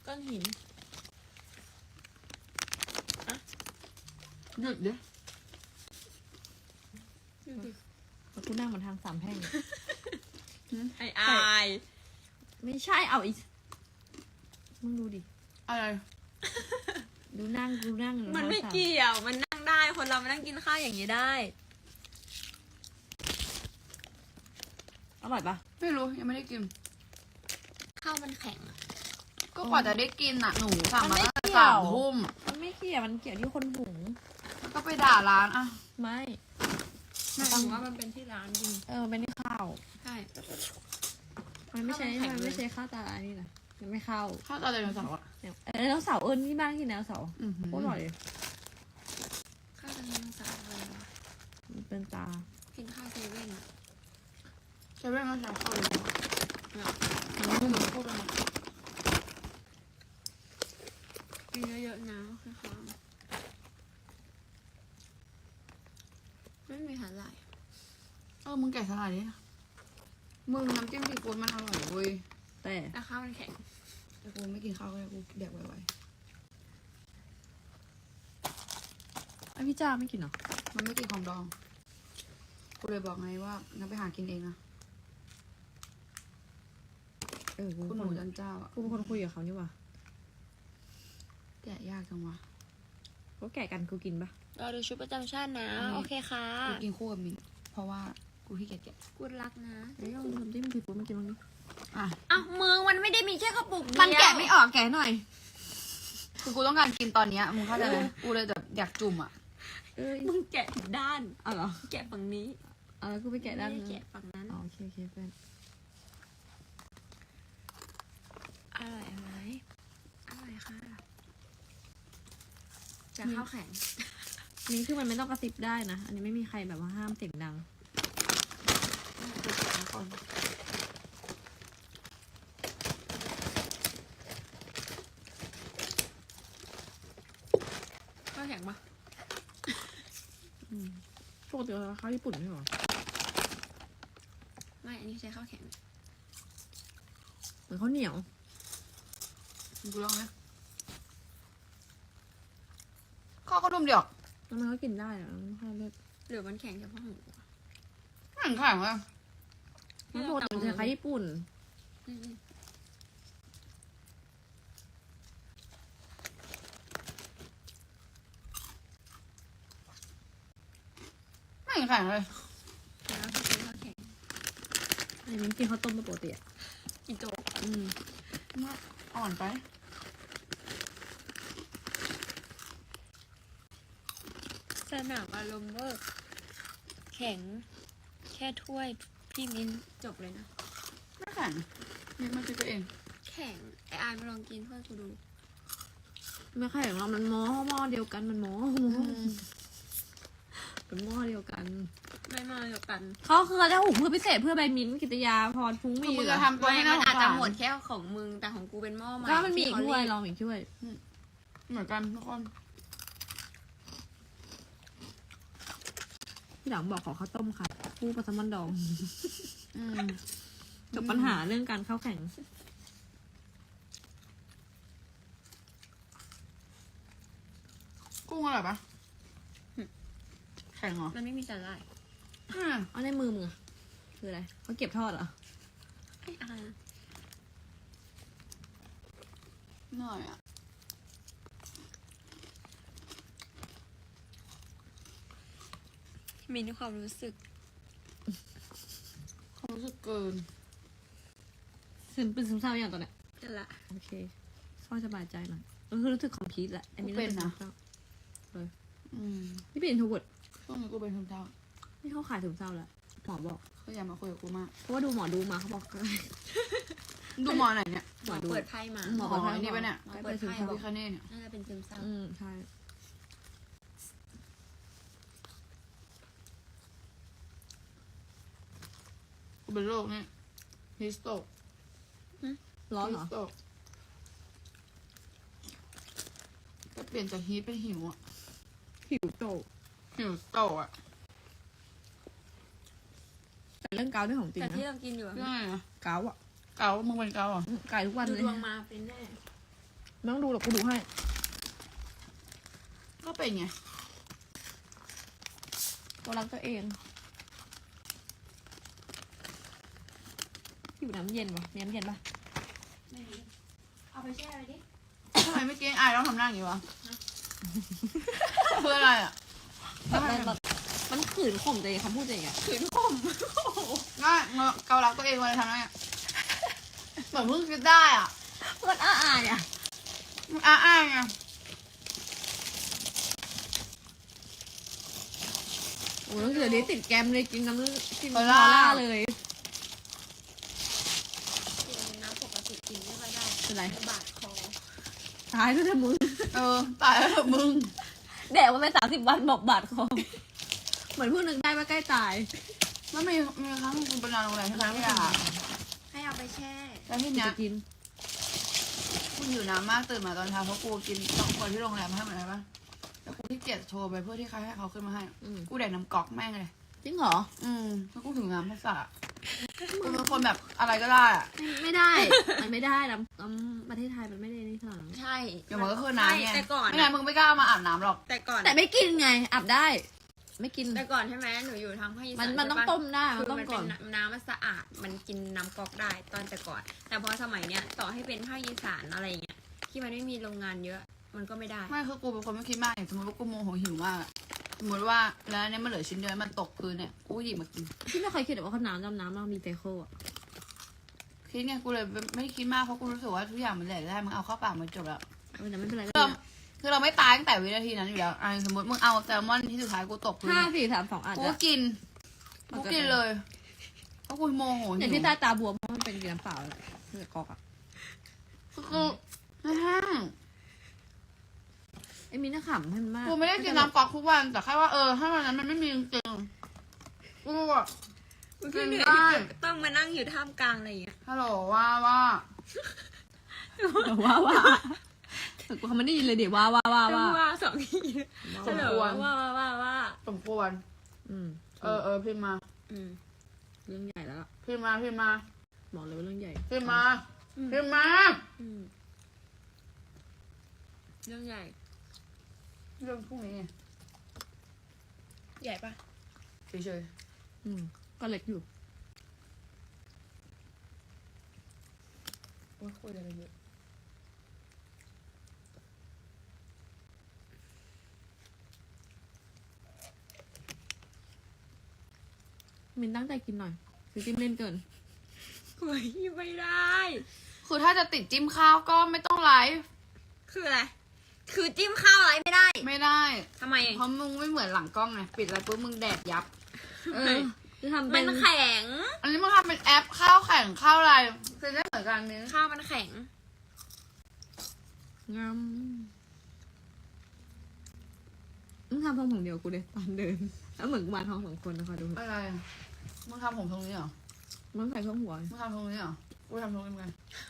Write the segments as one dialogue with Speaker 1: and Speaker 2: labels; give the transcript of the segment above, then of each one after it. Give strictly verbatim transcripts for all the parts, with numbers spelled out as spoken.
Speaker 1: ก้อนหินอะ
Speaker 2: หยุดดิ
Speaker 1: ดูดิ
Speaker 3: แล้วกูนั่งบนทางสามแพร่ง
Speaker 1: ไออาย
Speaker 3: ไม่ใช่เอาอีกมึงดูดิ
Speaker 2: อะไร
Speaker 3: ดูนั่งดูนั่ง
Speaker 1: มันไม่เกี่ยวมันนั่งได้คนเรามานั่งกินข้าวอย่างนี้ได้
Speaker 3: อร่อยปะ
Speaker 2: ไม่รู้ยังไม่ได้กิน
Speaker 1: ข้าวมันแข็งอะ
Speaker 2: ก็กว่าจะได้กินอ่ะหนูสั่งมาตั้งแต่
Speaker 3: มันไม่เกี่ยว
Speaker 2: สามทุ่ม
Speaker 3: มันไม่เกี่ยวมันเกี่ยวที่คนหุง
Speaker 2: แล้วก็ไปด่าร้านอ่ะ
Speaker 3: ไม่
Speaker 1: หมายถึงว่ามันเป็นที่ร้านจริง
Speaker 3: เออมันเป็นที่ข้าว
Speaker 1: ใช่
Speaker 3: มันไม่ใช่
Speaker 1: ข้าวมันแข็ง
Speaker 3: มัน
Speaker 1: เลย
Speaker 3: ไม่ใช่ข้าวตาอันนี้นะมันไม่เข้า
Speaker 2: ข้าวตาไดโนเสาร์อ่ะ
Speaker 3: เนี่ยเออแล้วเสาร์เอิญที่บ้านกินแล้วเสาร์
Speaker 2: อื้อหือ
Speaker 3: โคตรอร่อยเลย
Speaker 1: ข้าวจะมีสารอะไรวะ
Speaker 3: มันเป็นตา
Speaker 1: กินข้าวเซเว่นอะ
Speaker 2: ใช้เวลาใช้ข้าวเลย
Speaker 1: เนี่ย
Speaker 2: หนูพูดไปหมด
Speaker 1: กินเยอะๆนะคือค่ะไม่มีสาหร่าย
Speaker 2: เออมึงแกะสลัดดิมึงน้ำจิ้มซีฟู้ดมันอร่อยเว้ย
Speaker 3: แต่
Speaker 1: แต่ข้าวมันแข็ง
Speaker 2: แต่กูไม่กินข้าวก็ได้กูแดกไว
Speaker 3: ไอพี่จ้าไม่กินเหรอ
Speaker 2: ๆมันไม่กินของดองกูเลยบอกไงว่างั้นไปหากินเองนะ
Speaker 3: เออกู
Speaker 2: คุณ
Speaker 3: เป็น
Speaker 2: ห
Speaker 3: ค
Speaker 2: นู
Speaker 3: น
Speaker 2: จันเจ้าอ่ะ
Speaker 3: กูเป็นคนคุยกับเขานี่หว่า
Speaker 2: แกะยากจังวะ
Speaker 3: เขาแก่กันกูกินปะ
Speaker 1: เราดูชุดประจำชาตินะ
Speaker 2: อืม
Speaker 1: โอเคค่ะ
Speaker 2: กูกินคู่กับมินเพราะว่ากูขี้เกียจแกะ
Speaker 1: กูรักนะ
Speaker 3: เดี๋ยวลองดูน้ำจิ้มซีฟู้ดมากินบ้างดิ
Speaker 2: อ่ะ
Speaker 1: อ้าวมึงมันไม่ได้มีแค่กระปุกเดียว
Speaker 2: มันแกะไม่ออกแกะหน่อย คือกูต้องการกินตอนเนี้ยมึงเข้าใจไหมกูเลยแบบอยากจุ่มอ่ะ
Speaker 3: เอ้ย
Speaker 1: มึงแกะผิดด้าน
Speaker 3: อ๋อเหรอ
Speaker 1: แกะฝั่งนี้
Speaker 3: อ๋อแล้วกูไปแกะด้าน
Speaker 1: ไม่
Speaker 3: นึ
Speaker 1: ได้
Speaker 3: ง
Speaker 1: แกะฝั่งนั้น
Speaker 3: อ๋อโอเคโอเคเพื่อน
Speaker 1: อร่อยไหมอร่อยค่ะจะข้าวแข็ง
Speaker 3: อันนี้คือมันไม่ต้องกระซิบได้นะ อันนี้ไม่มีใครแบบว่าห้ามเสียงดัง
Speaker 2: ก่อน
Speaker 1: ข้าวแข็งปะ
Speaker 3: ปกติเราข้าวญี่ปุ่นไม่หรอ
Speaker 1: ไม่ อันนี้ใช้ข้าวแข็ง
Speaker 3: เหมือนข้าวเหนียว
Speaker 2: กูลองนะข้าวก็ดุมเดียว
Speaker 3: แล้วมันก็กินได้อะมันไม่ค่อยเลิศ
Speaker 1: หรือมันแข็งเฉพาะหู
Speaker 2: ไม่เห็นแข็งเลย
Speaker 3: มันปกติมันจะคล้ายญี่ปุ่น
Speaker 1: อืม
Speaker 2: ไม่เห็นแข็งเลย
Speaker 1: ๆแล้วก็ใช้ข้าวแข็ง
Speaker 3: อันนี้กินข้าวต้มปกติอ่ะ
Speaker 1: อีโจ๊ก
Speaker 3: อืม
Speaker 2: อ่อนไป
Speaker 1: สนามอารมณ์เวอร์แข็ง แค่ถ้วยพี่มิ้นจบเลยนะ
Speaker 2: ไม่แข็งนี่มันคิดไปเอง
Speaker 1: แข็ง ไออายมาลองกินเพื่อกูดู
Speaker 3: ไม่ค่อยของเรามันหม้อหม้อเดียวกันมันหม้อหม้อเป็นหม้อเดียวกัน
Speaker 1: ไม่มาเดียวกัน
Speaker 3: เขาคือเขาจะหุงเพื่อพิเศษเพื่อใบมิ้นท์กิตยาพรฟุ้ง
Speaker 2: คือ
Speaker 3: มี
Speaker 2: มึง
Speaker 3: เหร
Speaker 2: จะ
Speaker 3: อ
Speaker 2: ทำตัว
Speaker 1: ไม่
Speaker 2: ให้
Speaker 1: มั
Speaker 2: น่าน สง
Speaker 1: อาจ
Speaker 2: สา
Speaker 1: จะ
Speaker 2: ร
Speaker 1: หมดแค่ของมึง แต่ของกูเป็นหม้อใหม่
Speaker 3: ก็มันมีอีก
Speaker 1: ที่
Speaker 3: ถ้วย
Speaker 1: เขาเรี
Speaker 3: ลองอีกถ้วย
Speaker 2: เหมือนกันทุกคน
Speaker 3: พี่หลังบอกขอข้าวต้มค่ะคู่ปลาแซลมอนดอง
Speaker 2: อืม
Speaker 3: จบปัญหาเรื่องการเข้าแข่ง
Speaker 2: กุ้งอร่อยปะแข็งเหรอ
Speaker 1: มันไม่มีสาหร่าย
Speaker 2: อืม
Speaker 3: เอาในมือมึงอะคืออะไรเขาเก็บทอดเหรอ
Speaker 1: ไออาย
Speaker 2: หน่อยอ่ะ
Speaker 1: มีในความรู้สึก
Speaker 2: ความรู้สึกเกิน
Speaker 3: ซึมเป็นซึมเศร้าอย่างตอนเนี้ย
Speaker 1: กันละ
Speaker 3: โอเคพ่อสบายใจหน่อยเออคือรู้สึกคอมพลีทแหละอันนี้
Speaker 2: กูเป็นนะ
Speaker 3: ซึมเศร้า
Speaker 2: อืม
Speaker 3: นี่เป็นอินโทรเวิร์ด
Speaker 2: ช่วงนี้กูเป็นซึมเศร้า
Speaker 3: นี่เขาขายซึมเศร้าแล้วหมอบอก
Speaker 2: เขาอยากมาคุยกับกูมาก
Speaker 3: เพราะว่าดูหมอดูมาเขาบอกก็ได้
Speaker 2: ดูหมอไหนเนี่ย
Speaker 3: หมอดู
Speaker 1: เปิดไพ่มา
Speaker 3: หมอ
Speaker 2: อ๋ออันนี้ปะเนี่ย
Speaker 1: หมอเปิดไพ่บอ
Speaker 2: พี่
Speaker 1: ก
Speaker 2: คาเน่เนี่ย
Speaker 1: น่าจะเป็นซึมเศร้า
Speaker 3: อืมใช่
Speaker 2: กูเป็นโรคเนี่ยฮิสโตก
Speaker 3: ร้อนเหร
Speaker 2: ฮิ
Speaker 3: อ
Speaker 2: สโตกก็เปลี่ยนจากฮีทเป็นหิวอ่ะ
Speaker 3: ผิวโต
Speaker 2: หิวโตกอ่ะ
Speaker 3: แต่เรื่องเกาด้วยของจริง
Speaker 1: แต่
Speaker 3: นะ
Speaker 1: ที่เรากินอยู่อะ
Speaker 2: เรื่องอะไรนะ
Speaker 3: เกาอะ
Speaker 2: เกามึงเป็นเกาเหรอ
Speaker 3: ไก่ทุกวัน
Speaker 1: ดู
Speaker 3: เลย
Speaker 1: ดวงมาเป็นแน่
Speaker 3: ไม่ต้องดูหรอกกูดูให้
Speaker 2: ก็เป็นไง
Speaker 3: ตัวรักตัวเองอยู่น้ำเย็นวะมีน้ำเย็นปะ
Speaker 1: เอาไปแช่เลยดิ
Speaker 2: ทำไมไม่กินอายต้องทำหน้าอย่างนี้วะเพื่ออะไรอ่ะ
Speaker 3: แบบมันมันขืนข่มตัวเองคำพูดตัวเองอะ
Speaker 2: ขืนข่มง่ายเกาลักตัวเองเลยทำหน้าเหมือนเพิ่งคิดได้อ่ะ
Speaker 3: มันอ้าอายอะ
Speaker 2: อ้าอ้าไง
Speaker 3: โอ้ยเดี๋ยวนี้ติดแกมเลยกินน้ำกินมาล่าเลย
Speaker 1: กินน้ำปกติกินไม่ค่อยได้
Speaker 3: เป็นไร
Speaker 1: บาดคอ
Speaker 3: ตายแล้วเธอมึง
Speaker 2: เออตายแล้วเถอะมึง
Speaker 3: แดกมาไปสามสิบวันบอกบาดคอเหมือนเพิ่งนึกได้ว่าใกล้ตาย
Speaker 2: แล้วมีมีครั้งคุณไปนอนโรงแรมใช่ไหมพี่อา
Speaker 1: ให้เอาไปแช่
Speaker 2: แล้วที่
Speaker 3: กู
Speaker 2: เนี้ย
Speaker 3: จะกิน
Speaker 2: กูหิวน้ำมากตื่นมาตอนเช้าเพราะกูกินต้องคนที่โรงแรมให้เหมือนกันปะแล้วกูที่เกียจโทรไปเพื่อที่ใครให้เขาขึ้นมาให้
Speaker 3: อืม
Speaker 2: กูแดกน้ำก๊อกแม่งเลย
Speaker 3: จริงเหรอ
Speaker 2: อืมแล้วกูถึงน้ำภาษากูเป็นคนแบบอะไรก็ได้อะ
Speaker 3: ไม่ไม่ได้ มันไม่ได้น้ำน้ำประเทศไทยมันไม่ได้นี่ขนาดนั้น
Speaker 1: ใช่
Speaker 2: อย่างมันก็คือน้ำไง
Speaker 1: แต่ก่อน
Speaker 2: ไม่งั้นมึงไม่กล้ามาอาบน้ำหรอก
Speaker 1: แต่ก่อน
Speaker 3: แต่ไม่กินไงอาบได้ ไม่กิน
Speaker 1: แต่ก่อนใช่ไหมหนูอยู่ทางภาคอีสาน
Speaker 3: มันมันต้อง
Speaker 1: ใช่ปะ
Speaker 3: ต้มได้
Speaker 1: คื
Speaker 3: มัน
Speaker 1: อ
Speaker 3: ต้ม
Speaker 1: มัน
Speaker 3: ก่
Speaker 1: เป็
Speaker 3: อน
Speaker 1: นน้ำมันสะอาดมันกินน้ำก๊อกได้ตอนแต่ก่อน แต่พอสมัยเนี้ยต่อให้เป็นภาคอีสานอะไรอย่างเงี้ยที่มันไม่มีโรงงานเยอะ มันก็ไม่ได้
Speaker 2: ไม่คือกูเป็นคนไม่คิดมากอย่างสมมติว่ากูโมโหหิวมากอะสมมติว่าแล้วอันเนี้ยมันเหลือชิ้นเดียวมันตกพื้นเนี่ยกูหยิบมากิน
Speaker 3: พี่ไม่เคยคิดว่าเขาน้ำดำน้ำเรามีไตโคอ่ะ
Speaker 2: คิดไงกูเลยไม่คิดมากเพราะกูรู้สึกว่าทุกอย่างมันแหลกได้มึงเอาเข้าปากมันจบแล้ว
Speaker 3: เออแต่ไม่เป็นไร
Speaker 2: คือเราคือเราไม่ตายตั้งแต่วินาทีนั้นอยู่แล้วอ่ะสมมติมึงเอาแซลมอนที่สุดท้ายกูตกพื้น
Speaker 3: ห้าสี่สามสองอาจ
Speaker 2: กู
Speaker 3: จะ
Speaker 2: ก็กินกูกินเลยเพราะกูโมโห
Speaker 3: อย่าง
Speaker 2: หิ
Speaker 3: ที่
Speaker 2: ว
Speaker 3: ใต้ตาบวมเพราะมันเป็นกินน้ำเปล่าแหละเพื่อกอกอ่ะ
Speaker 2: คือกูไม่ห้าง
Speaker 3: ไอ้มีหน้าขำให้มันมาก
Speaker 2: กูไม่ได้กินน้ำก๊อกทุกวันแต่แค่ว่าเออถ้าวันนั้นมันไม่มีจริงๆกูอะ
Speaker 1: พี่เหนื่อย
Speaker 2: ได้
Speaker 1: ที่ต้องมานั่งอยู่ท่ามกลางอะไรอย่างเงี้ย
Speaker 2: ฮัลโหลว่าว่า
Speaker 3: ว้าว่าแต่กูเขาไม่ได้ยินเลยเดี๋ยวว่าว่าว่า
Speaker 1: ต้อง
Speaker 3: ว่า
Speaker 1: ว่าสองที
Speaker 2: สมควร
Speaker 1: ว่าว่าว่าว่า
Speaker 2: สมควร
Speaker 3: อืม
Speaker 2: เออเออพิมพ์มา
Speaker 1: อืม
Speaker 3: เรื่องใหญ่แล้วล่ะ
Speaker 2: พิมพ์มาพิมพ์มา
Speaker 3: บอกเลยว่าเรื่องใหญ่
Speaker 2: พิมพ์มาพิมพ์มา
Speaker 1: อืมเรื่องใหญ่
Speaker 2: เรื่องพวกนี้ไง
Speaker 1: ใหญ่ปะ
Speaker 2: เฉย
Speaker 3: อืมก็เล็กอยู่
Speaker 2: ๆโอ้ยคุยอะไรเยอะ
Speaker 3: มินตั้งใจกินหน่อยคือจิ้มเล่นเกิน
Speaker 1: เฮ้ยไม่ได้
Speaker 2: คือถ้าจะติดจิ้มข้าวก็ไม่ต้องไลฟ์
Speaker 1: คืออะไร คือจิ้มข้าวอะไรไม่ได้
Speaker 2: ไม่ได้
Speaker 1: ทำไม
Speaker 2: เพราะมึงไม่เหมือนหลังกล้องไงปิดอะไรปุ๊บมึงแดดยับ
Speaker 3: เออจะทำ
Speaker 1: มั
Speaker 3: เป็น
Speaker 1: นแข็ง
Speaker 2: อันนี้มึงทำเป็นแอปข้าวแข่งข้าวอะไรคือได้เหมือนกันนี้
Speaker 1: ข้าวมันแข็ง
Speaker 3: งามมึงทำทองผงเดียวกูเลยตอนเดิน แล้วเหมือนกูมาทองสองคนนะคะดู
Speaker 2: อะไรอะมึงทำผมตรงนี้เหรอ
Speaker 3: มึงใส่เครื่องหัว
Speaker 2: มึงทำตรงนี้เหรอกูทำตรงนี้เหมือนกัน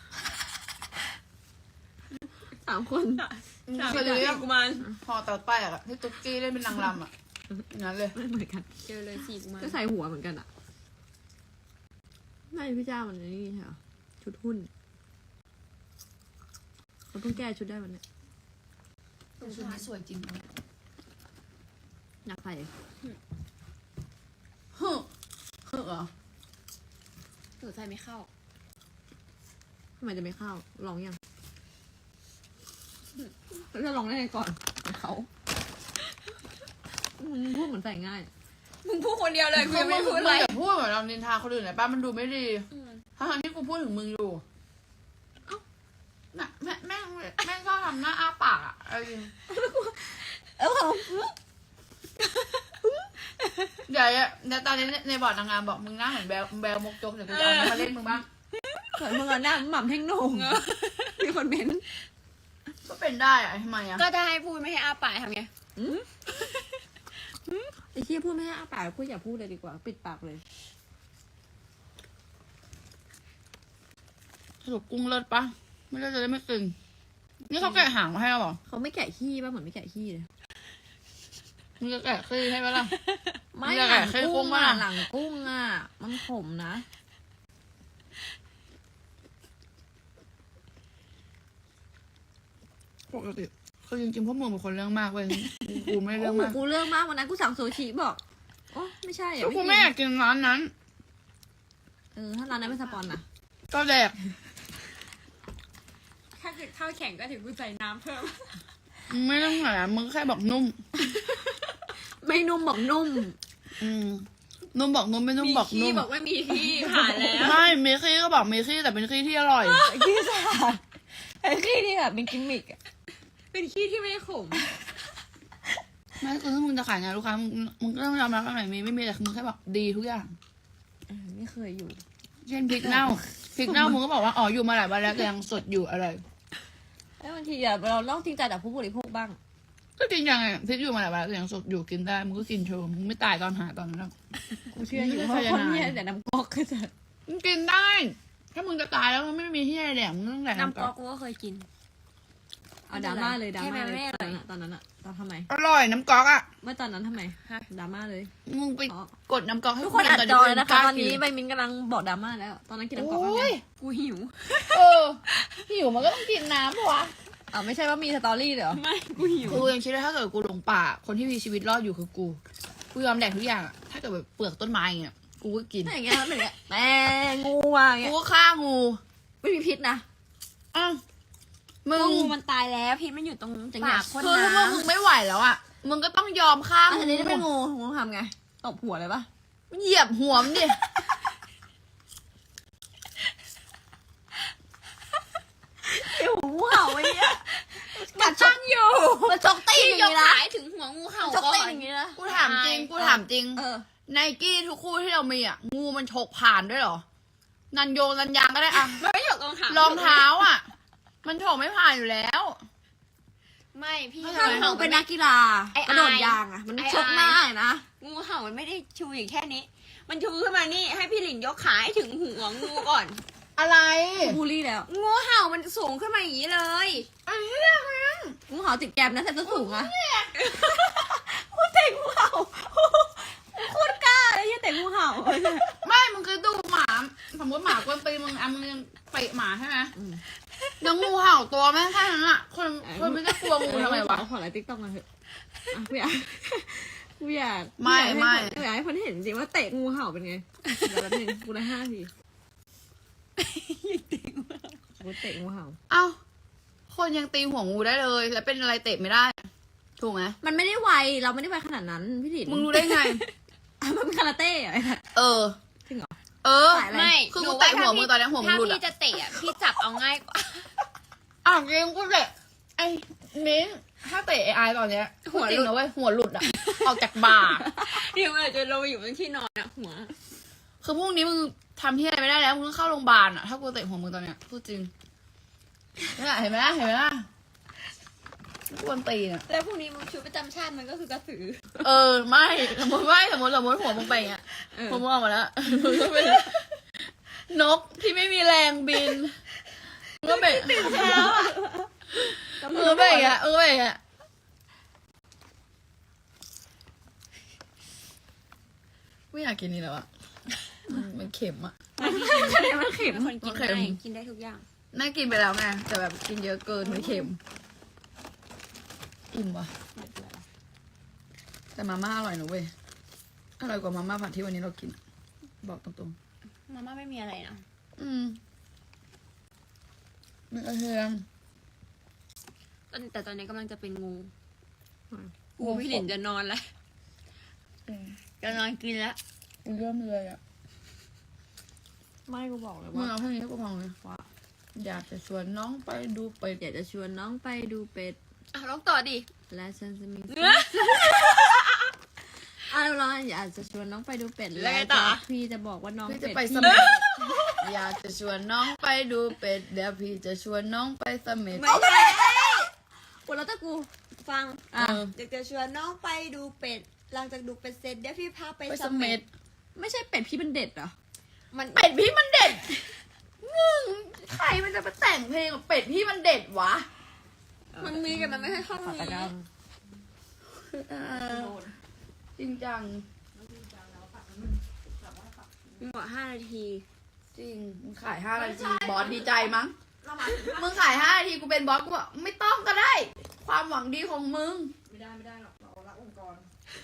Speaker 3: สามคน
Speaker 2: มึง
Speaker 1: สาม
Speaker 2: เคย
Speaker 1: จา
Speaker 2: ดู
Speaker 1: ก
Speaker 2: ยัง
Speaker 1: กุมาร
Speaker 2: พอเต่าแตกอะที่ตุ๊กกี้เล่นเป็นนางรำอะอย่างนั้นเลย
Speaker 3: ไม่เหมือนกัน
Speaker 1: เจอเลยสี่กุมาร
Speaker 3: ก็ใส่หัวเหมือนกันอ่ะไม่พี่เจ้ามันนี่ใช่เหรอชุดหุ้นเราเพิ่งแก้ชุดได้วันเนี้ย
Speaker 2: ชุดนี้สวยจริงเลย
Speaker 3: อยากใส่
Speaker 2: ฮึฮึเหรอ
Speaker 1: หนูใส่ไม่เข้า
Speaker 3: ทำไมจะไม่เข้าลองยังแล้วจะลองได้ไงก่อนเขามึงพูดเหมือนใส่ง่าย
Speaker 1: มึงพูดคนเดียวเลยกูยังไม่
Speaker 2: มึ
Speaker 1: พูด
Speaker 2: ง
Speaker 1: อะไร
Speaker 2: อย่าพูดเหมือนเรานินทาคนอื่นเลยป้ามันดูไม่ดี
Speaker 1: อืม
Speaker 2: ทั้งๆที่กูพูดถึงมึงอยู่เอ้าน่ะแม่แม่งแม่งชอบทำหน้าอ้าปากอะเอาจริง
Speaker 3: เออ
Speaker 2: เดี๋ยวเดี๋ยวตอนนี้ในบอร์ดนางงามบอกมึงหน้าเหมือนแบลแบลมกจกเดี๋ยวกูจะเอามันมาเล่นมึงบ้าง
Speaker 3: เกิดมึงเอาหน้าหม่ำเท่งโหน่งมีคนเม้น
Speaker 2: ก็เป็นได้อะทำไมอะ
Speaker 1: ก็จะให้พูดไม่ให้อ้าปากทำไง
Speaker 3: ไอ้เชี่ยพูดไม่ให้อ้าปากพูดอย่าพูดเลยดีกว่า ปิดปากเลย
Speaker 2: สรุปกุ้งเลิศปะไม่เลิศจะได้ไม่ตึงนี่เขาแกะหางมาให้เราเหรอ
Speaker 3: เขาไม่แกะขี้ป่ะเหมือนไม่แกะขี้เลย
Speaker 2: มึงจะแกะขี้ให้ปะล่ะ
Speaker 3: ไม่
Speaker 2: มึงจะ
Speaker 3: หลั
Speaker 2: แกะ
Speaker 3: ง
Speaker 2: ขี้
Speaker 3: กุ้
Speaker 2: กุ้ง
Speaker 3: ง
Speaker 2: ปะ
Speaker 3: อ่ะ
Speaker 2: ล่ะ
Speaker 3: หลังกุ้งอ่ะ มันขมนะ
Speaker 2: กปกติคือจริงๆพวกมึงเป็นคนเรื่องมากเว้ยกูไม่เรื่อง
Speaker 3: โอ้โห
Speaker 2: มาก
Speaker 3: กูเรื่องมากวันนั้นกูสั่งโซชิบอกโอ้ไม่ใช่อ่ะ
Speaker 2: ก็กู
Speaker 3: กิน
Speaker 2: ไม่อยากกินร้านนั้น
Speaker 3: เออถ้าร้านนั้นไม่สปอนนะ
Speaker 2: ก็แดก
Speaker 1: ถ้าเกิดข้าวแข็งก็ถึงกูใส่น้ำเพิ่ม
Speaker 2: ไม่ต้องหามึงแค่บอกนุ่ม
Speaker 3: ไม่นุ่มบอกนุ่ม
Speaker 2: อืมนุ่มบอกนุ่มไม่นุ่ม
Speaker 1: มี
Speaker 2: บอก
Speaker 1: ขี้
Speaker 2: นุ่ม
Speaker 1: บอกว่ามีขี้ผ่านแล้ว
Speaker 2: ใช่มีขี้ก็บอกมีขี้แต่เป็นขี้ที่อร่อย
Speaker 3: ขี้สะอาดไอ้ขี้นี่แบบเป็นกิมมิกอะ
Speaker 1: เป็นขี้ที่ไม่ขม
Speaker 2: ไม่คือถ้ามึงจะขายงานลูกค้ามึงมึงก็ต้องยอมรับว่าไหนมีไม่มีแต่มึงแค่บอกดีทุกอย่าง
Speaker 3: เออไม่เคยอยู่
Speaker 2: เช่นพริกเน่าพริกเน่ามึงก็บอกว่าอ๋ออยู่มาหลายวันแล้วแต่ยังสดอยู่อร่อย
Speaker 3: แล้วบางทีอะเราต้องจริงใจกับผู้บริโภคบ้าง
Speaker 2: ก็กินยังไงพริกอยู่มาหลายวันแล้วแต่ยังสดอยู่กินได้มึงก็กินโชว์มึงไม่ตายตอนหาตอนนั้นหรอก
Speaker 3: กูเชื่ออยู่
Speaker 2: ไม่
Speaker 3: เพ
Speaker 2: ได้
Speaker 3: ราะคน
Speaker 2: สายนาย
Speaker 3: เนี่ยแต่น้ำก๊อกก็จะ
Speaker 2: มึงกินได้ ถ้ามึงจะตายแล้วมันไม่มีที่ไหนแดกมึงต้องแดก
Speaker 1: น้ำก๊อกกูก็เคยกิน
Speaker 3: เอาดราม่าเลยดราม่าเลย
Speaker 1: แค่แม่
Speaker 3: ตอน
Speaker 1: ไม่
Speaker 3: นั้น
Speaker 1: อร่อย
Speaker 3: อะตอนนั้นอะตอนทำไม
Speaker 2: อร่อยน้ำก๊อกอ่ะ
Speaker 3: เมื่อตอนนั้นทำไม
Speaker 1: ฮะ
Speaker 3: ดราม่าเลย
Speaker 2: มึงไป
Speaker 3: อ๋อ
Speaker 2: กดน้ำก๊อกให้
Speaker 3: ทุกคน
Speaker 2: กิ
Speaker 3: อัด
Speaker 2: ก่
Speaker 3: จอเลยนะคะ
Speaker 2: ก
Speaker 3: ต
Speaker 2: ล้า
Speaker 3: อนนี้
Speaker 2: กิ
Speaker 3: ใบมินกำลังบอกดราม่าแล้ว ตอนนั้นกินน้ำก๊อกแล้ว
Speaker 2: โอ้
Speaker 3: ไง
Speaker 2: ย
Speaker 1: กูหิว
Speaker 2: เออหิวมันก็ต้องกินน้ำปะวะ
Speaker 3: อ๋อไม่ใช่ว่ามีสตอรี่เหรอ
Speaker 1: ไม่ กูหิว
Speaker 2: กูยังคิดว่าถ้าเกิดกูหลงป่า คนที่มีชีวิตรอดอยู่คือกู กูยอมแดกทุกอย่างอะถ้าเกิดแบบเปลือกต้นไม้อย่างเงี้ย กูก็กิน
Speaker 3: ถ้าอย่างเงี้ยมันเป็นอย่างเงี้ยแต่งูอ่ะอย่าง
Speaker 2: กู
Speaker 3: เงี้ย
Speaker 2: ก็ฆ่างู
Speaker 3: ไม่มีพิษนะ
Speaker 2: อ้าวมึ
Speaker 1: ก็
Speaker 2: ง
Speaker 1: งูมันตายแล้วพิษมันอยู่ตรง
Speaker 3: จะ
Speaker 1: ปาก
Speaker 3: ห
Speaker 1: คน
Speaker 2: คือถ้า
Speaker 1: น้
Speaker 2: มึงไม่ไหวแล้วอ่ะ มึงก็ต้องยอมฆ่า
Speaker 3: อันนี้
Speaker 2: งู
Speaker 3: ถ้าเป็นงูงูทำไงตบหัวเลยปะ
Speaker 2: เหยียบหัวมันดิ
Speaker 3: เดี๋ยวงูเห่าไอ้เนี้ย
Speaker 1: ำกัดช่างอยู่
Speaker 3: มันชกตีน
Speaker 1: ที่
Speaker 3: อย่าง
Speaker 1: ยก
Speaker 3: นี้นะ
Speaker 1: ขายถึงหัวงูเห่า
Speaker 3: ชก
Speaker 1: ก่อ
Speaker 3: ตีน
Speaker 1: น
Speaker 3: อย่างนี้นะ
Speaker 2: กูถามจริง กูถามจริง
Speaker 3: เออ
Speaker 2: ไนกี้ทุกคู่ที่เรามีอ่ะ งูมันฉกผ่านด้วยเหรอ นันโยงนันยางก็ได้อ่ะ
Speaker 1: มันไม่หยกรองเท้าร
Speaker 2: องเท้าอ่ะ มันฉกไม่ผ่านอยู่แล้ว
Speaker 1: ไม่พี่
Speaker 2: ไม่
Speaker 3: ถ้า
Speaker 2: ใช่
Speaker 3: มึงเป็นนักกีฬา
Speaker 1: ไอ้
Speaker 3: กระโดด
Speaker 1: อาย
Speaker 3: ยางอ่ะ มัน
Speaker 1: ไอ้
Speaker 3: ชกหน้าเลยนะ
Speaker 1: งูเห่ามันไม่ได้ชูอย่างแค่นี้ มันชูขึ้นมานี่ให้พี่หลินยกขาให้ถึงหัวงูก่อน
Speaker 2: อะไร
Speaker 3: บูลลี่แล้ว
Speaker 1: งูเห่ามันสูงขึ้นมาอย่างนี้เลย
Speaker 2: ไอ้เหี้ยมัน
Speaker 3: งูเห่าติดแกมนะแต่ตัวสูงอะกูเตะงูเห่าโคตรกล้าเลยยี่เตะงูเห่า
Speaker 2: ไม่มึงคือดูหมา สมมติหมากวนตีมึงอ่ะมึงยังเตะหมาใช่ไหม
Speaker 3: อืม
Speaker 2: แล้วงูเห่าตัวแม่งแค่นั้นอ่ะ คนคนไม่ได้กลัวงูทำไมวะ
Speaker 3: ขอไลน์ติ๊กต็อกมาเถอะอ่ะกูอยากกูอยาก
Speaker 2: ไม่
Speaker 3: กูอยากให้
Speaker 2: ไม่
Speaker 3: คนกูอยากให้คนเห็นจริงว่าเตะงูเห่าเป็นไงเดี๋ยวแป๊บนึงกูได้ห้าทีกูเตะงูเห่า
Speaker 2: เอ้า คนยังตีหัวงูได้เลย แล้วเป็นอะไรเตะไม่ได้ ถูกไหม
Speaker 3: มันไม่ได้ไวเราไม่ได้ไวขนาดนั้นพี่ถิ่น
Speaker 2: มึงรู้ได้ไง
Speaker 3: อ่ะมันเป็นคาราเต้เหรอไอ้สัส
Speaker 2: เออ
Speaker 3: จริงเหรอ
Speaker 2: เออ
Speaker 3: สายอะไร
Speaker 1: ไม่
Speaker 2: คือกูเตะหัวมึงตอนนี้หัวมึง
Speaker 1: ถ้า
Speaker 2: หลุด
Speaker 1: พี่
Speaker 2: อ่ะ
Speaker 1: จะเตะอะพี่จับเอาง่ายกว่า
Speaker 2: อ้าวจริงกูเตะไอ้มิ้นถ้าเตะไอ้ไอตอนเนี้ยหัวจริงนะเว้ยหัวหลุดอ่ะ ออกจากบ่า
Speaker 1: เดี๋ยวมันอาจจะลงไปอยู่บนที่นอนอะหัว
Speaker 2: คือพรุ่งนี้มึงทำที่อะไรไม่ได้แล้วมึงต้องเข้าโรงพยาบาลอ่ะ ถ้ากูเตะหัวมึงตอนเนี้ยพูดจริงนี่แหละเห็นไหมล่ะเห็นไหมล่ะกวนตีนอ่ะ
Speaker 1: แล้วพรุ่งนี้มันชุดประจำชาติมันก็คือกระสือ
Speaker 2: เออไม่สมมติไม่สมมติสมมติหัวมึงไปอย่างเงี้ย
Speaker 3: เออ
Speaker 2: หัวมึงออกมาแล้วมึงก็เป็นนกที่ไม่มีแรงบินมึงก็เป็นมึงก็เป็นอย่างเงี้ยมึงก็เป็นอย่างเงี้ยไม่อยากกินนี่แล้วอ่ะมันเค็มอ่ะ
Speaker 3: มันเข็ม
Speaker 1: เป็นคนกิน
Speaker 2: โอเค
Speaker 1: ได้กินได้ทุกอย่าง
Speaker 2: น่ากินไปแล้วไงแต่แบบกินเยอะเกินมันเค็มอิ่มว่ะแต่มาม่าอร่อยนะเว้ยอร่อยกว่ามาม่าผัดที่วันนี้เรากินอะบอกตรง
Speaker 1: มาม่าไม่มีอะไรนะ
Speaker 2: ๆอืมมีกระเทียม
Speaker 1: ตอนแต่ตอนนี้กำลังจะเป็นงู
Speaker 3: อืม
Speaker 1: งูพี่หลินจะนอนแล้ว
Speaker 2: อืม
Speaker 1: จะนอนกินแล้ว
Speaker 2: เริ่มเลยอ่ะ
Speaker 3: ไม่กูบอกเลย
Speaker 2: มึง
Speaker 3: ว่า
Speaker 2: เอาแค่นี้ให้กูฟังเลยว่าอยากจะชวนน้องไปดูไป
Speaker 3: อยากจะชวนน้องไปดูเป็ด
Speaker 1: อ่ะร้องต่อดิ
Speaker 3: และฉันจะมี
Speaker 1: เนื้อ
Speaker 3: อ่ะเราอยากจะชวนน้องไปดูเป็ด
Speaker 1: แล้วไงต่อ
Speaker 3: พี่จะบอกว่าน้อง
Speaker 2: พี่
Speaker 3: เป็
Speaker 2: จะ
Speaker 3: ด
Speaker 2: ไปส
Speaker 3: พี่
Speaker 2: ม็ดอยากจะชวนน้องไปดูเป็ดเดี๋ยวพี่จะชวนน้องไปสม็ด
Speaker 1: ไม่ใช่
Speaker 3: กูแล้วแต่กู
Speaker 1: ฟัง
Speaker 3: อ่ะ
Speaker 1: อยากจะชวนน้องไปดูเป็ด หลังจากดูเป็ดเสร็จเดี๋ยวพี่พาไป
Speaker 2: ไป
Speaker 1: เส
Speaker 2: ส
Speaker 1: ม็
Speaker 2: ม็
Speaker 1: ด
Speaker 2: ด
Speaker 3: ไม่ใช่เป็ดพี่เป็นเด็ดเหรอ
Speaker 1: มัน
Speaker 2: เป็ดพี่มันเด็ดมึงใครมันจะมาแต่งเพลงกับเป็ดพี่มันเด็ดวะ
Speaker 1: มันมีแต่มันไม่ใช่ท่อน
Speaker 3: ขอ
Speaker 1: นี้
Speaker 3: ตะกร้า
Speaker 2: จริงจัง
Speaker 1: มึงบอกห้านาที
Speaker 2: จริงมึงขายห้านาทีบอสดีใจมั้งมึงขายห้านาทีกูเป็นบอสกูบอกไม่ต้องก็ได้ความหวังดีของมึง
Speaker 3: ไม่ได้ไม่ได้หรอกเรารักองค์กร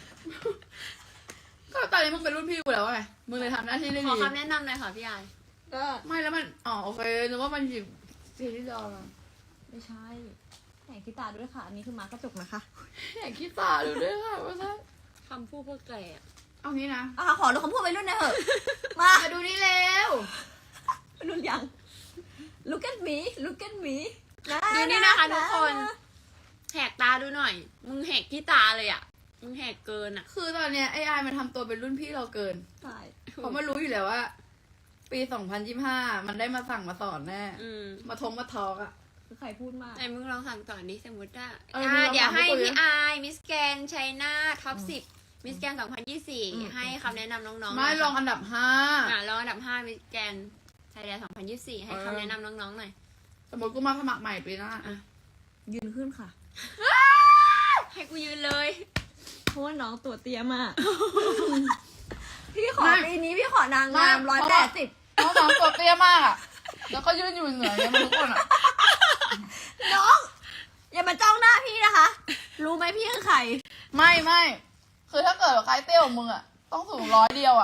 Speaker 2: ก็ตอนนี้มึงเป็นรุ่นพี่กูแล้วไงมึงเลยทำหน้าที่ได้
Speaker 1: ขอ
Speaker 2: ดี
Speaker 1: คำแนะนำหน่อยค่ะพี่ไอาย
Speaker 3: ก็
Speaker 2: ไม่แล้วมันอ๋อโอเคนึกว่ามันหยิบซีรีส์ดอมา
Speaker 3: ไม่ใช่แข่งกีตาร์ด้วยค่ะ อันนี้คือมากระจกนะคะ
Speaker 2: อยากคิดตาดูด้วยค่ะว่าซะ
Speaker 1: คำพูดพวกแกอะ
Speaker 2: เอางี้นะ
Speaker 3: อ่ะขอดูคำพูดไปรุ่นหน่อยเถอะ มา
Speaker 2: มาดูนี่เร็ว
Speaker 3: รุ่นยัง look at me look at me
Speaker 1: ดูนี่นะคะทุกคนแหกตาดูหน่อย มึงแหกที่ตาเลยอ่ะ มึงแหกเกินอ่ะ
Speaker 2: คือตอนเนี้ยไอไอมันทำตัวเป็นรุ่นพี่เราเกิน
Speaker 3: ใช่
Speaker 2: เพราะมันรู้อยู่แล้วว่า ปีสองพันยี่สิบห้ามันได้มาสั่งมาสอนแน่
Speaker 1: อืม
Speaker 2: มาทงมาทอกอะ
Speaker 3: คือใครพูดมาก
Speaker 1: ไหนมึงลองสั่งต่อนี้สมมติว่า
Speaker 2: เออ
Speaker 1: อ่า
Speaker 2: มึงลอง
Speaker 1: เดี๋ยวให้
Speaker 2: ถามพวกกูดิ
Speaker 1: พี่ไอายมิสแกนไชน่าท็อปสิบมิสแกนสองพันยี่สิบสี่ให้คำแนะนำน้องๆหน่
Speaker 2: ไม่
Speaker 1: อย
Speaker 2: ลอง
Speaker 1: ค่ะ
Speaker 2: อันดับห้า
Speaker 1: อ่าลองอันดับห้ามิสแกนไทยแลนด์สองพันยี่สิบสี่ให้คำแนะนำน้องๆหน่อย
Speaker 2: สมมติกูมาสมัครใหม่ปีหน้า
Speaker 1: อ่ะ
Speaker 3: ยืนขึ้นค่ะ
Speaker 1: ให้กูยืนเลย
Speaker 3: เพราะว่าน้องตัวเตี้ยมาก พี่ขอปีนี้พี่ขอนางงามร้อยแปดสิบ
Speaker 2: เพราะน้องตัวเตี้ยมากอะแล้วก็ยืนอยู่เหนือเนี่ยมันทุกคนอะ
Speaker 3: น้อง อย่ามาจ้องหน้าพี่นะคะ รู้ไหมพี่คือใคร
Speaker 2: ไม่ไม่คือถ้าเกิดว่าใครเตี้ยกว่ามึงอะต้องสูงร้อยเดียวอะ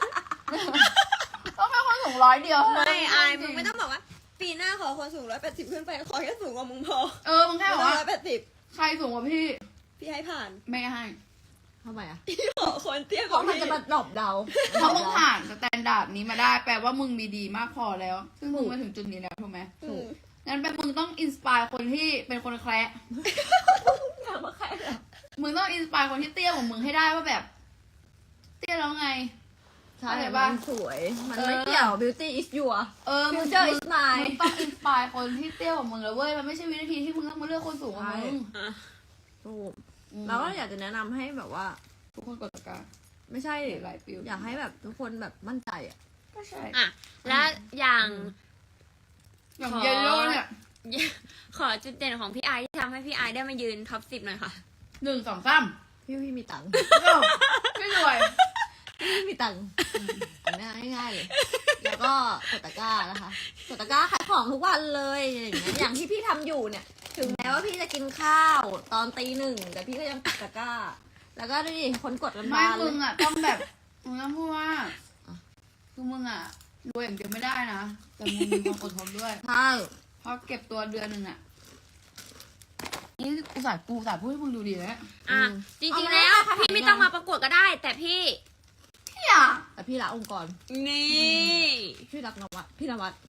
Speaker 2: ต้องเป็นคนสูงร้อยเดียว
Speaker 1: ไม่อายมึงไม่ต้องบอกว่า ปีหน้าขอคนสูงร้อยแปดสิบขึ้นไปขอแค่สูงกว่ามึงพอ
Speaker 2: เออมึงแค่บอกว่า
Speaker 1: ร้อยแปดสิบ
Speaker 2: ใครสูงกว่าพี่
Speaker 1: พี่ให้ผ่าน
Speaker 2: ไม่ให้
Speaker 3: ทำไมอ่ะ
Speaker 1: พี่ขอคนเตี้ยก
Speaker 3: เพราะ
Speaker 1: ว่า
Speaker 3: มัน
Speaker 1: พี่
Speaker 3: จะมาดรอบเดา
Speaker 2: เพราะมึงผ่านสแตนดาร์ดนี้มาได้ แปลว่ามึงมีดีมากพอแล้ว ซึ่งมึงมาถึงจุดนี้แล้วถูกไหม
Speaker 1: อืม
Speaker 2: งั้นแปลมึงต้องอินสปายคนที่เป็นคนแคระ
Speaker 3: อยากมาใครเหรอ
Speaker 2: มึงต้องอินสปายคนที่เตี้ยกว่ามึงให้ได้ว่าแบบ เตี้ยแล้วไง
Speaker 3: ใช่
Speaker 2: อะไร
Speaker 3: มั
Speaker 2: บ้าง
Speaker 3: นสวย มัน
Speaker 2: เออ
Speaker 3: ไม่เกี่ยว beauty is your
Speaker 2: เออมึง
Speaker 3: future is
Speaker 2: มึ
Speaker 3: mine
Speaker 2: งต้องอินสปายคนที่เตี้ยกว่ามึงแล้วเว้ย มันไม่ใช่วินาทีที่มึงต้องมาเลือกคนสูงกว่ามึง
Speaker 1: อ่ะ
Speaker 3: ถูก
Speaker 2: อืม
Speaker 3: เราก็อยากจะแนะนำให้แบบว่า
Speaker 2: ทุกคนกดตะกร้า
Speaker 3: ไม่ใช่
Speaker 2: หลายฟิล
Speaker 3: อยากให้แบบทุกคนแบบมั่นใจอ่ะ
Speaker 2: ก็ใช่
Speaker 1: อ่ะแล้วอย่าง
Speaker 2: อย่าง
Speaker 1: ขอ
Speaker 2: เยลโล่เนี่ย
Speaker 1: ขอจุดเด่นของพี่ไอที่ทำให้พี่ไอได้มายืนท็อปสิบหน่อยค่ะ
Speaker 2: หนึ่งสองสาม
Speaker 3: พี่พี่มีตังค์
Speaker 2: ไม่รวย
Speaker 3: พี่มีตังค์ง่ายง่ายๆเลย แล้วก็กดตะกร้านะคะกดตะกร้าขายของทุกวันเลยอย่างเงี้ยอย่างที่พี่ทำอยู่เนี่ย ถึงแม้ว่าพี่จะกินข้าวตอนตีหนึ่งแต่พี่ก็ยังกดตะกร้า แล้วก็ดูดิคนกดกัน
Speaker 2: ไม่
Speaker 3: บานเล
Speaker 2: มึ
Speaker 3: ย
Speaker 2: งอ่ะต้องแบบมึงต้องพูดว่าคือมึงอ่ะรวยอย่างเดียวไม่ได้นะแต่มึงมีความอดทนด้วย
Speaker 3: ใช่
Speaker 2: เพราะเก็บตัวเดือนหนึ่งอ่ะนี่กูสายกูสายพูดให้มึงดูดีนะ
Speaker 1: อ่ะจริงๆแล้วพี่ไม่ต้องมาประกวดก็ได้ แต่พี่
Speaker 2: พี่อ่ะ
Speaker 3: แต่พี่รักองค์กร
Speaker 1: นี่
Speaker 3: พี่รักนวัดพี่นวัด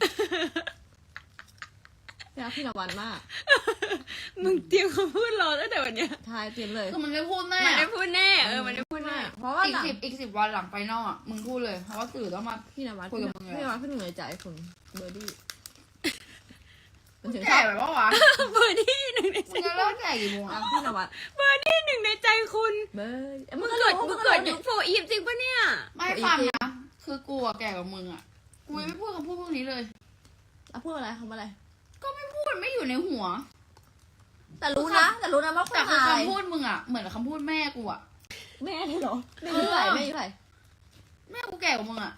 Speaker 3: พี่รักพี่นวัดมาก
Speaker 1: มึงเตรียมคำพูดรอตั้งแต่วันเนี้ย
Speaker 3: ใช่เตรียมเลย
Speaker 2: คือมันได้พูดแน่
Speaker 1: มันได้พูดแน่เออมันได้พูดแน่
Speaker 3: เพราะว่า
Speaker 2: อีก
Speaker 3: หลัง
Speaker 2: สิบอีกสิบวันหลังไฟนอลอ่ะมึงพูดเลยเพราะว่าสื่อต้องมา
Speaker 3: พี่นวัด
Speaker 2: คุย
Speaker 3: พี่
Speaker 2: กับมึงเลย
Speaker 3: นวัดเพิ่งเหนื่อยใจคุณเบอร์ดี้มันถึงช
Speaker 2: แก่
Speaker 3: อบ
Speaker 2: แบบว่าวะ
Speaker 1: เบอร์ดี้หนึ่งใน
Speaker 2: มึ
Speaker 1: ใจ
Speaker 2: งจะเลิกแก่กี่โมง
Speaker 3: รั
Speaker 2: อ่ะ
Speaker 3: กพี่นวัด
Speaker 1: เบอร์ดี้หนึ่งในใจคุณ
Speaker 3: เบอร์ดี้
Speaker 1: มึ
Speaker 3: มึ
Speaker 1: ง
Speaker 3: ง
Speaker 1: เกิ
Speaker 3: เกิ
Speaker 1: ด
Speaker 3: ด
Speaker 1: มึ
Speaker 3: มึ
Speaker 1: ง
Speaker 3: ง
Speaker 1: เกิ
Speaker 3: เกิ
Speaker 1: ด
Speaker 3: ด
Speaker 1: ยุคโฟอีฟจริงปะเนี่ย
Speaker 2: ไม่ฟังนะคือกูอ่ะแก่กว่ามึงอ่ะกูยังไม่พูดคำพูดพวกนี้เลย
Speaker 3: อ่ะพูดอะไรคำอะไร
Speaker 2: ก็ไม่พูดไม่อยู่ในหัว
Speaker 3: แต่รู้นะ แต่รู้นะว่าคุ
Speaker 2: แต่
Speaker 3: ณ
Speaker 2: คือ
Speaker 3: อะไร
Speaker 2: คำพูดมึงอ่ะเหมือนกับคำพูดแม่กูอ่ะ
Speaker 3: แม่นี่เหรอแม่ยี่ไหร่แม่ยี่ไหร่
Speaker 2: แม่กูแก่กว่ามึงอ่ะ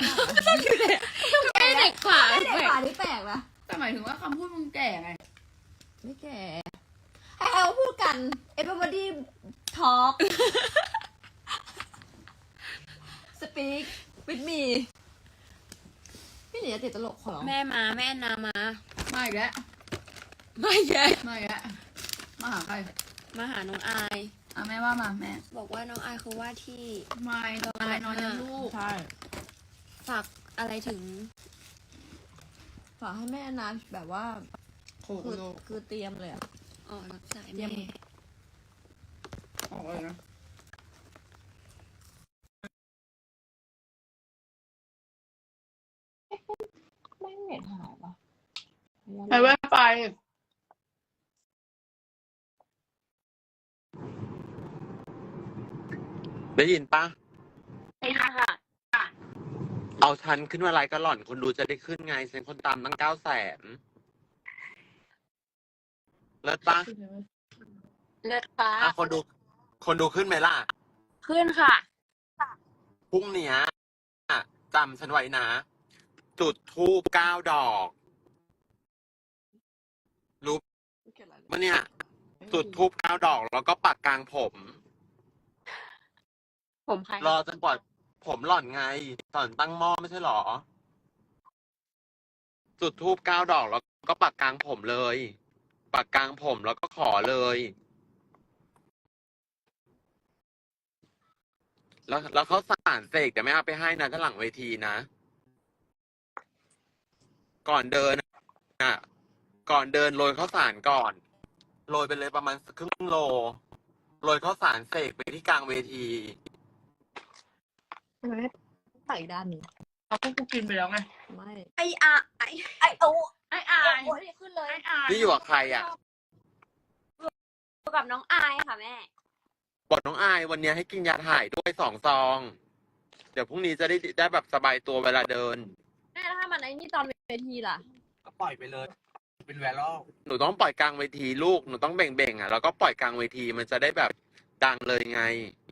Speaker 1: ไม่เด็กกว่า
Speaker 3: ไม่ได้ป่านี่แปลกนะ
Speaker 2: แต่หมายถึงว่าคำพูดมึงแก่ไง
Speaker 3: ไม่แก่ให้เอาพูดกัน everybody talk speak with me พี่หนีจะติดตลกขอร้อง
Speaker 1: แม่มาแม่นามา
Speaker 2: มาอีกแล้ว
Speaker 1: ไม่ใช่
Speaker 2: มาอีกแล้วมาหาใคร
Speaker 1: มาหาน้องอาย
Speaker 2: อ่ะแม่ว่ามาแม่
Speaker 1: บอกว่าน้องอายคือว่าที่
Speaker 2: ไม่น้องอะไรนอนยังลูก
Speaker 3: ใช่
Speaker 1: ฝากอะไรถึง
Speaker 3: ฝากให้แม่นะแบบว่า
Speaker 2: โอ้โห
Speaker 3: คือคือเตรียมเลยอะ
Speaker 1: อ๋อรับสาย
Speaker 3: เยี่
Speaker 1: แม่
Speaker 3: ยม
Speaker 2: ออกเลยนะ
Speaker 3: ไม่เน็ตหายปะ
Speaker 2: ใช้แว่นไป
Speaker 4: ได้ยินปะ
Speaker 1: ใช่ค่ะ
Speaker 4: เอาฉันขึ้นมาไลฟ์ก็หล่อนคนดูจะได้ขึ้นไงฉันคนตามตั้งเก้าแสนเลิศปะ
Speaker 1: เลิศค่ะ
Speaker 4: อ่ะคนดู คนดูขึ้นไหมล่ะ
Speaker 1: ขึ้นค่ะ
Speaker 4: พรุ่งเนี้ยอ่ะจำฉันไว้นะ จุดทูบเก้าดอก รู้ปะเนี่ยจุดทูบเก้าดอกแล้วก็ปักกลางผม
Speaker 1: ผมใคร
Speaker 4: รอจนกว่าผมหล่อนไงตอนตั้งหม้อไม่ใช่หรอ จุดทูบเก้าดอกแล้วก็ปักกลางผมเลย ปักกลางผมแล้วก็ขอเลย แล้วแล้วเขาสารเสกแต่ไม่เอาไปให้นะถ้าหลังเวทีนะ ก่อนเดินอ่ะ ก่อนเดินโรยข้าวสารก่อน โรยไปเลยประมาณครึ่งโล โรยข้าวสารเสกไปที่กลางเวที
Speaker 3: มันไม่ตักอีกด้านหนึง
Speaker 2: เอาพวกกูกินไปแล้วไง
Speaker 3: ไม่
Speaker 1: ไออาไอ
Speaker 3: ไอโอ้
Speaker 2: ไอ้อาย
Speaker 3: โอ้ยขึ้นเลย
Speaker 2: ไอ้อาย
Speaker 4: นี่อยู่กับใครอ่ะ
Speaker 1: อยู่กับน้องอายค่ะแม่
Speaker 4: บอกน้องอายวันนี้ให้กินยาถ่ายด้วยสองซอง เดี๋ยวพรุ่งนี้จะได้ได้แบบสบายตัวเวลาเดิน
Speaker 3: แม่แล้วถ้ามันไอ้นี่ตอนเวทีล่ะ
Speaker 5: ก็ปล่อยไปเลย เป็นแวรัล
Speaker 4: หนูต้องปล่อยกลางเวทีลูก หนูต้องเบ่งเบ่งๆอ่ะ แล้วก็ปล่อยกลางเวทีมันจะได้แบบดังเลยไง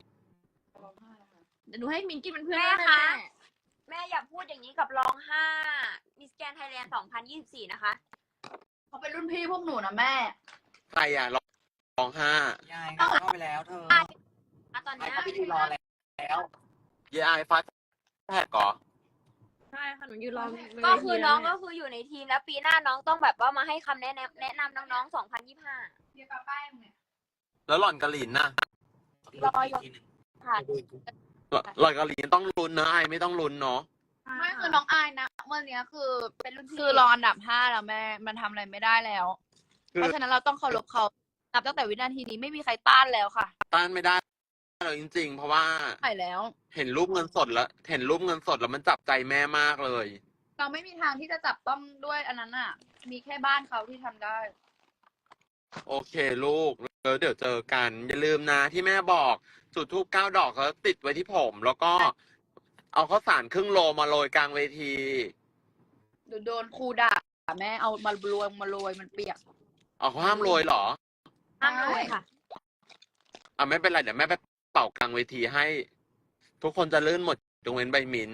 Speaker 3: เดี๋ยวหนูให้มินกินเป็นเพื่อน
Speaker 1: แม่
Speaker 3: ได้
Speaker 1: คะ
Speaker 3: แม่
Speaker 1: แม่อย่าพูดอย่างนี้กับรองห้ามิสแกนไทยแลนด์สองพันยี่สิบสี่นะคะ
Speaker 2: เขาเป็นรุ่นพี่พวกหนูนะแม่
Speaker 4: ใครอ่ะร้องห้าย
Speaker 5: ายก็เข้าไปแล้วเธอ
Speaker 1: อ่ะตอน
Speaker 5: ยาย
Speaker 1: เนี้ย
Speaker 5: เข้าไปยืนรอแล้ว
Speaker 4: เยไอฟ้าแพกก่อ
Speaker 3: ใช่ค่ะหนูยืนรอ
Speaker 1: ก็คือน้องก็คืออยู่ในทีมแล้วปีหน้าน้องต้องแบบว่ามาให้คำแนะนำแนะนำน้องๆสองพันยี่สิบห้า
Speaker 2: เดี๋ยวป้าป้ายมึงเนี่ย
Speaker 4: แล้วหล่อนกะหลินน่ะ
Speaker 1: รออยู่
Speaker 5: ทีหนึ่ง
Speaker 1: ค่ะ
Speaker 4: หล่อนหล่อนกะหลินต้องลุ้นนะไอไม่ต้องลุ้นเนาะ
Speaker 2: ไม่คือน้องอายนะวันเนี้ยคือเป็นรุ่นพี่คือรออันดับห้าแล้วแม่ มันทำอะไรไม่ได้แล้ว
Speaker 4: คือ
Speaker 2: เพราะฉะนั้นเราต้องเคารพเขานับตั้งแต่วินาทีนี้ไม่มีใครต้านแล้วค่ะ
Speaker 4: ต้านไม่ได้เลยจริง ๆ เพราะว่า
Speaker 2: ใช่แล้ว
Speaker 4: เห็นรูปเงินสดแล้ว เห็นรูปเงินสดแล้วมันจับใจแม่มากเลย
Speaker 2: เราไม่มีทางที่จะจับต้องด้วยอันนั้นอ่ะ มีแค่บ้านเขาที่ทำได้
Speaker 4: โอเคลูกแล้วเดี๋ยวเจอกัน อย่าลืมนะที่แม่บอกจุดทูบเก้าดอกเขาติดไว้ที่ผม แล้วก็ เอาข้าวสารครึ่งโลมาโรยกลางเวที
Speaker 2: เดี๋ยวโดนครูด่าแม่เอามาโรยมาโรยมันเปียก
Speaker 4: เอาเขาห้ามโรยเหรอ
Speaker 1: ห้ามเลยค่ะ
Speaker 4: อ่ะไม่เป็นไรเดี๋ยวแม่ไปเป่ากลางเวทีให้ ทุกคนจะลื่นหมดยกเว้นใบหมิน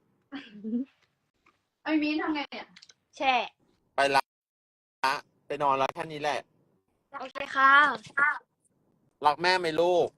Speaker 2: ไอ้มิ้นทำไงเนี่ย
Speaker 1: แช่
Speaker 4: ไปละไปนอนแล้วแค่นี้แหละ
Speaker 1: โอเคค่ะ
Speaker 4: รักแม่ไหมลูก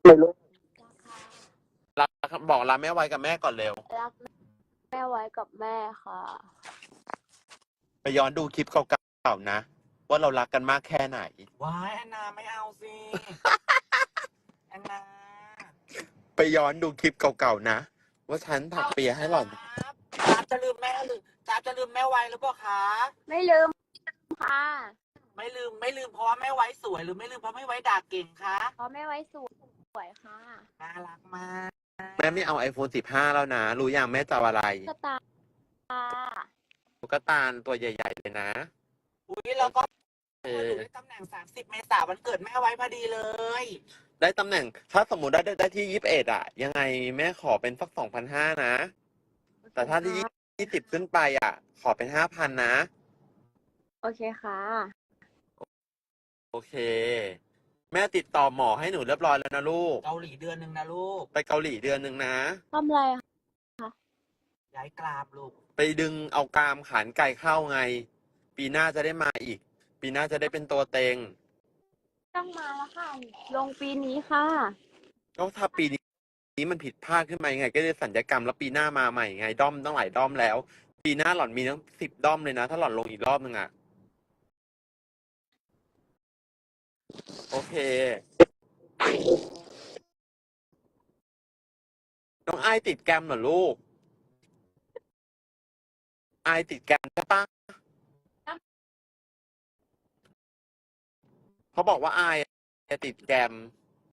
Speaker 4: รักบอกรักแม่ไว้กับแม่ก่อนเร็ว
Speaker 1: รักแม่ไว้กับแม่ค่ะ
Speaker 4: ไปย้อนดูคลิปเก่าๆนะ ว่าเรารักกันมากแค่ไหน
Speaker 5: ว้ายแอนนาไม่เอาสิ แอนนา
Speaker 4: ไปย้อนดูคลิปเก่าๆนะ ว่าฉันถักเปียให้หล่อน
Speaker 5: ครับจ๊าบจะลืมแม่หรือจ๊าบจะลืมแม่ไว้หรือเปล่าคะ
Speaker 1: ไม่ลืมค่ะ
Speaker 5: ไม่ลืมไม่ลืมเพราะว่าแม่ไว้สวยหรือไม่ลืมเพราะไม่ไว้ด่าเก่งคะ
Speaker 1: เพราะแม่ไว้สวยค่ะ
Speaker 5: น่ารักมาก
Speaker 4: แม่ไม่เอา ไอโฟนสิบห้า แล้วนะ รู้ยังแม่จะเอาอะไร
Speaker 1: สตาร์
Speaker 4: ตุ๊กตาตัวใหญ่ๆเลยนะ
Speaker 5: อุ้ยแล้วก็
Speaker 4: เอ
Speaker 5: ห
Speaker 4: อ
Speaker 5: นูได้ตำแหน่งสามสิบเมษายนวันเกิดแม่ไว้พอดีเลย
Speaker 4: ได้ตำแหน่ง ถ้าสมมติได้ได้ได้ที่ยี่สิบเอ็ดอะยังไงแม่ขอเป็นสักสองพันห้านะ แต่ถ้าที่ยี่สิบขึ้นไปอะขอเป็นห้าพันนะ
Speaker 1: โอเคค่ะ
Speaker 4: โอเค แม่ติดต่อหมอให้หนูเรียบร้อยแล้วนะลูก
Speaker 5: เกาหลีเดือนหนึ่งนะลูก
Speaker 4: ไปเกาหลีเดือนหนึ่งนะ
Speaker 1: ทำอะไรคะ
Speaker 5: ย้ายกรามลูก
Speaker 4: ไปดึงเอากรามขานไก่เข้าไง ปีหน้าจะได้มาอีก ปีหน้าจะได้เป็นตัวเต็ง
Speaker 1: ต้องมาแล้วค่ะ ลงปีนี้ค่ะ
Speaker 4: ก็ถ้าปีนี้มันผิดพลาดขึ้นมายังไง ก็จะสัญญกรรมแล้วปีหน้ามาใหม่ไงด้อมต้องหลายด้อมแล้ว ปีหน้าหล่อนมีทั้งสิบด้อมเลยนะ ถ้าหล่อนลงอีกรอบนึงอะโอเค น้องไอายติดแกรมเหรอลูกไอายติดแกรมใช่ปะเขาบอกว่าไอายติดแกรม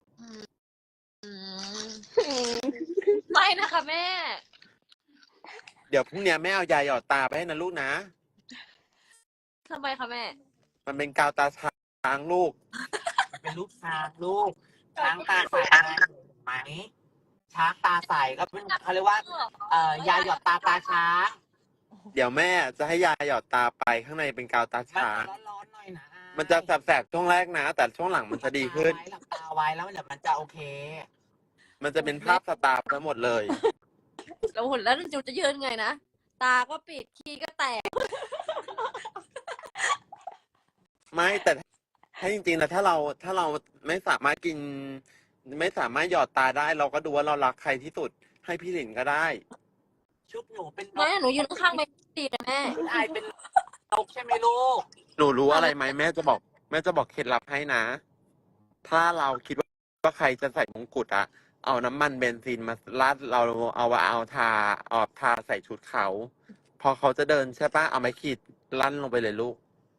Speaker 1: ไม่นะคะแม่
Speaker 4: เดี๋ยวพรุ่งนี้แม่เอายาหยอดตาไปให้นะลูกนะ
Speaker 3: ทำไมคะแม่
Speaker 4: มันเป็นกาวตาช้างลูก
Speaker 5: มันเป็นลูกช้างลูก ช้างตาใสไงไหม ช้างตาใสก็เป็นเขาเรียกว่า เอ่อยาหยอดตาตาช้าง
Speaker 4: เดี๋ยวแม่จะให้ยาหยอดตาไปข้างในเป็นกาวตา
Speaker 5: มัน
Speaker 4: ช้าง
Speaker 5: ร้อนๆหน่อยนะ
Speaker 4: มันจะแสบๆช่วงแรกนะ แต่ช่วงหลังมันจะดีขึ้น
Speaker 5: หลับตาไว้แล้วเดี๋ยวมันจะโอเค
Speaker 4: มันจะเป็นภาพสตาร์ทั้งหมดเลย
Speaker 3: แล้วหุ่นแล้วจูจะยืนไงนะ ตาก็ปิดขี้ก็แตก
Speaker 4: ไม่แต่ให้จริงๆแล้วถ้าเราถ้าเราไม่สามารถกิน ไม่สามารถหยอดตาได้ เราก็ดูว่าเรารักใครที่สุด ให้พี่หลินก็ได้
Speaker 5: ชุดหนูเป็นน
Speaker 3: แม่
Speaker 5: ก
Speaker 3: หนูยืนข้างๆไม่ดีนะแม่
Speaker 5: ชุดอายเป็นนกใช่ไหมลูก
Speaker 4: หนูรู้อะไรไหมแม่จะบอก แม่จะบอกเคล็ดลับให้นะ ถ้าเราคิดว่าว่าใครจะใส่มงกุฎอะเอาน้ำมันเบนซินมาราดเราเอาเอาทาเอาทาใส่ชุดเขา พอเขาจะเดินใช่ปะเอาไม้ขีดลั่นลงไปเลยลูก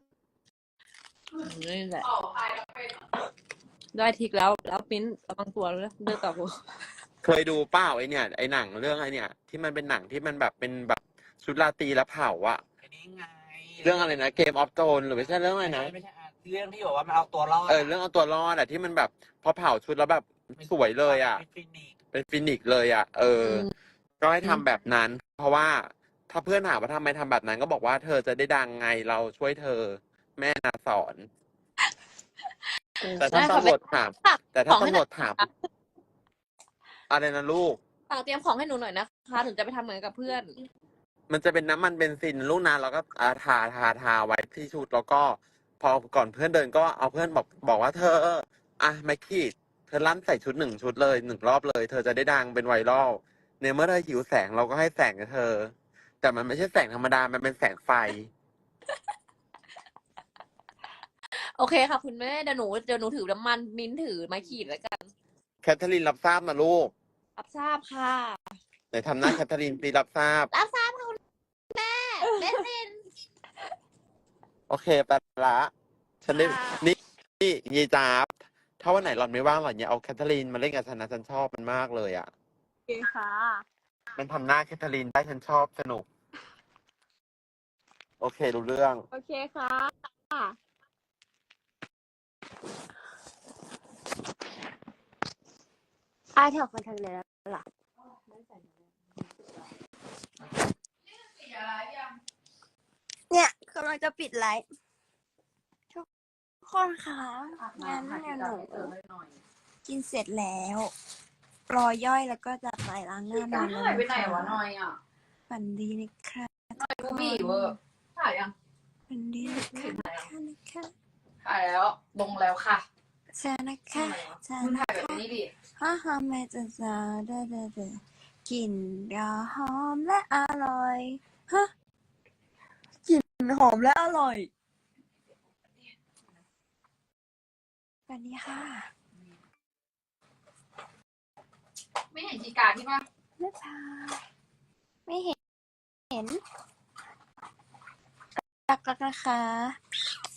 Speaker 3: นี่แหละได้ทิกแล้ว แล้วปิ้นระวังตัวเลยเดินต่อกู
Speaker 4: เคยดูเปล่าไอเนี่ยไอหนังเรื่องไอเนี่ย ที่มันเป็นหนังที่มันแบบเป็นแบบชุดราตรีแล้วเผาอะ
Speaker 5: อันนี้ไง
Speaker 4: เรื่องอะไรนะเกมออฟโ n นหรือไม่ใช่เรื่องอะไร
Speaker 5: ไม่ใช่
Speaker 4: นะ
Speaker 5: ไม่ใช่อ่ะเรื่องที่บอกว่ามันเอาตัวรอด
Speaker 4: เออเรื่องเอาตัวรอดอะที่มันแบบพอเผาชุดแล้วแบบสวยเลยอะ
Speaker 5: เป็นฟินิกซ์
Speaker 4: เป็นฟินิกซ์เลยอะเออ
Speaker 3: อืม
Speaker 4: ก็ให้ทำแบบนั้น เพราะว่าถ้าเพื่อนถามว่าทำไมทำแบบนั้นก็บอกว่าเธอจะได้ดังไงเราช่วยเธอ แม่นาสอน แต่ถ้า
Speaker 3: ได้ค่ะ
Speaker 4: ตำรวจถาม
Speaker 3: ฝาก
Speaker 4: แต่ถ้า
Speaker 3: ของให้ห
Speaker 4: ตำร
Speaker 3: น่
Speaker 4: ว
Speaker 3: อย
Speaker 4: จถามอะไรนะลูก
Speaker 3: ฝากเตรียมของให้หนูหน่อยนะคะ ถึงจะไปทำเหมือนกับเพื่อน
Speaker 4: มันจะเป็นน้ำมันเบนซินลูกนะแล้วก็อาทาทาทาไว้ที่ชุดแล้วก็ พอก่อนเพื่อนเดินก็เอาเพื่อนบอกบอกว่าเธออ่ะไม่ขีดเธอลั่นใส่ชุดหนึ่งชุดเลยหนึ่งรอบเลย เธอจะได้ดังเป็นไวรัลในเมื่อเธอหิวแสงเราก็ให้แสงกับเธอ แต่มันไม่ใช่แสงธรรมดามันเป็นแสงไฟ
Speaker 3: โอเคค่ะคุณแม่เดี๋ยวหนูเดี๋ยวหนูถือน้ำมันมิ้นท์ถือไม้ขีดแล้วกัน
Speaker 4: แคทเธอรีนรับทราบนะลูก
Speaker 3: รับทราบค่ะ
Speaker 4: ไหนทำหน้าแคทเธอรีนตีรับทราบ
Speaker 3: รับทราบค่ะคุณแม่เบสซิน
Speaker 4: โอเคไปละฉันได้
Speaker 3: ค่ะ
Speaker 4: นี่นี่ยายจ๊าบถ้าวันไหนหล่อนไม่ว่างหล่อนอย่าเอาแคทเธอรีนมาเล่นกับฉันนะฉันชอบมันมากเลยอ่ะ
Speaker 1: โอเคค่ะ
Speaker 4: มันทำหน้าแคทเธอรีนได้ฉันชอบสนุก โอเครู้เรื่อง
Speaker 1: โอเคค่ะ
Speaker 6: อาแถวคอนแทคเลยแล้วล่ะ เนี่ยกำลังจะปิดไลฟ์ทุกคนคะงั้นเดี๋ยวหนูกินเสร็จแล้ว รอย่อยแล้วก็จะไปล้างหน้านอนแล้ว
Speaker 2: หายไปไหน
Speaker 6: นะคะ
Speaker 2: วะหน่อยอ่ะ
Speaker 6: ฝันดีนะคะ
Speaker 2: กูบีเวอร์ถ่ายยัง
Speaker 6: ฝันดีนะคะนะคะ
Speaker 2: ถ่ายแล้วลงแล้วค่ะ
Speaker 6: จ้านะคะจ้า
Speaker 2: มึง
Speaker 6: นะ
Speaker 2: ถ่ายแบบ
Speaker 6: คะ
Speaker 2: นี้ดิ
Speaker 6: ฮ่าฮ่าแม่จะจาเด้อเด้อเด้อกลิ่นยาหอมและอร่อยฮะกลิ่นหอมและอร่อยสวัสดีค่ะ
Speaker 2: ไม่เห็นจีการที่ป่ะ
Speaker 6: บ๊ายบายไม่เห็น เห็นรักๆนะคะ